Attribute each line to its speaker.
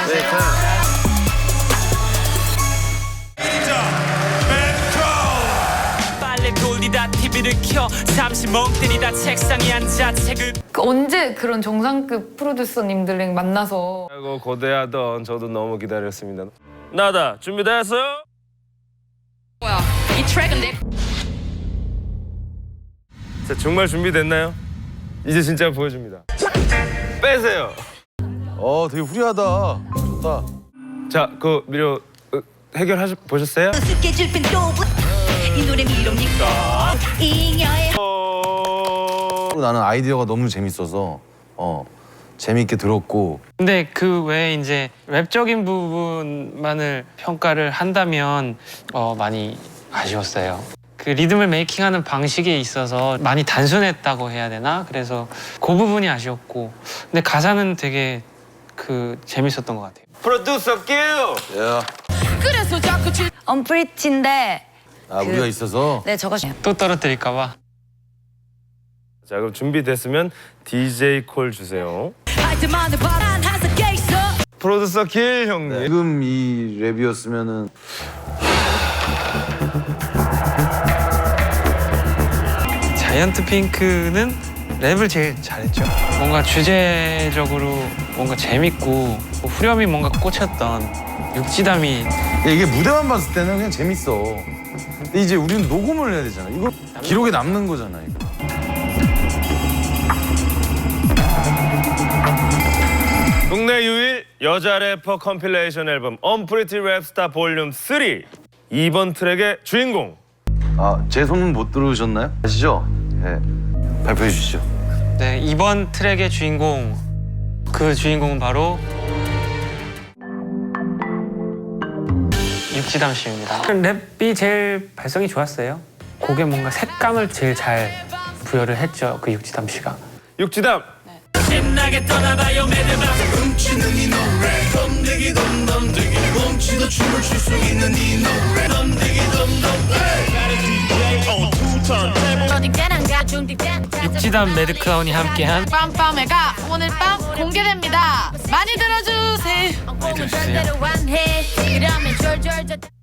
Speaker 1: 빨래 돌리다 TV를 켜 잠시 멍 때리다 책상에 앉아 책을.
Speaker 2: 언제 그런 정상급 프로듀서님들랑 만나서
Speaker 3: 하고 고대하던 저도 너무 기다렸습니다. 나다 준비됐어요?
Speaker 4: 뭐야? 이 트랙은 내.
Speaker 3: 자, 정말 준비됐나요? 이제 진짜 보여줍니다. 빼세요.
Speaker 5: 되게 후리하다. 좋다.
Speaker 3: 자, 그 미료 보셨어요?
Speaker 6: 스케줄 빈도 이 노래 미롭니까 잉여의
Speaker 5: 나는 아이디어가 너무 재밌어서 재밌게 들었고.
Speaker 7: 근데 그 외에 이제 랩적인 부분만을 평가를 한다면 많이 아쉬웠어요. 그 리듬을 메이킹하는 방식에 있어서 많이 단순했다고 해야 되나? 그래서 그 부분이 아쉬웠고, 근데 가사는 되게 재밌었던 것 같아요.
Speaker 3: 프로듀서 큐!
Speaker 4: 그래서 자꾸
Speaker 6: 언프리티인데
Speaker 5: 우리가 있어서.
Speaker 6: 네 저거
Speaker 7: 또 떨어뜨릴까 봐.
Speaker 3: 자, 그럼 준비됐으면 DJ 콜 주세요.
Speaker 6: 하이트만의 바람 한석 개 있어
Speaker 3: 프로듀서 킬 형님.
Speaker 5: 지금 이 랩이었으면은
Speaker 7: 자이언트 핑크는 랩을 제일 잘했죠. 뭔가 주제적으로 뭔가 재밌고 후렴이 뭔가 꽂혔던 육지담이.
Speaker 5: 이게 무대만 봤을 때는 그냥 재밌어. 근데 이제 우리는 녹음을 해야 되잖아. 이거 기록에 남는 거잖아. 이거.
Speaker 3: 국내 유일 여자 래퍼 컴필레이션 앨범 언프리티 랩스타 볼륨 3 2번 트랙의 주인공.
Speaker 5: 제 소문 못 들으셨나요? 아시죠? 네. 발표해 주시죠.
Speaker 7: 네, 이번 트랙의 주인공, 그 주인공은 바로 육지담 씨입니다. 랩이 제일 발성이 좋았어요. 곡에 뭔가 색감을 제일 잘 부여를 했죠, 그 육지담 씨가.
Speaker 3: 육지담.
Speaker 1: 신나게 떠나봐요 매드밤.
Speaker 8: 훔치는 이 노래 덤디기 덤덤디기 멈추도 춤을 출 수 있는 이 노래 덤디기 덤덤.
Speaker 1: 육지담 매드크라운이 함께한
Speaker 4: 빰빰해가 오늘 밤 공개됩니다. 많이 들어주세요.
Speaker 1: 해주세요.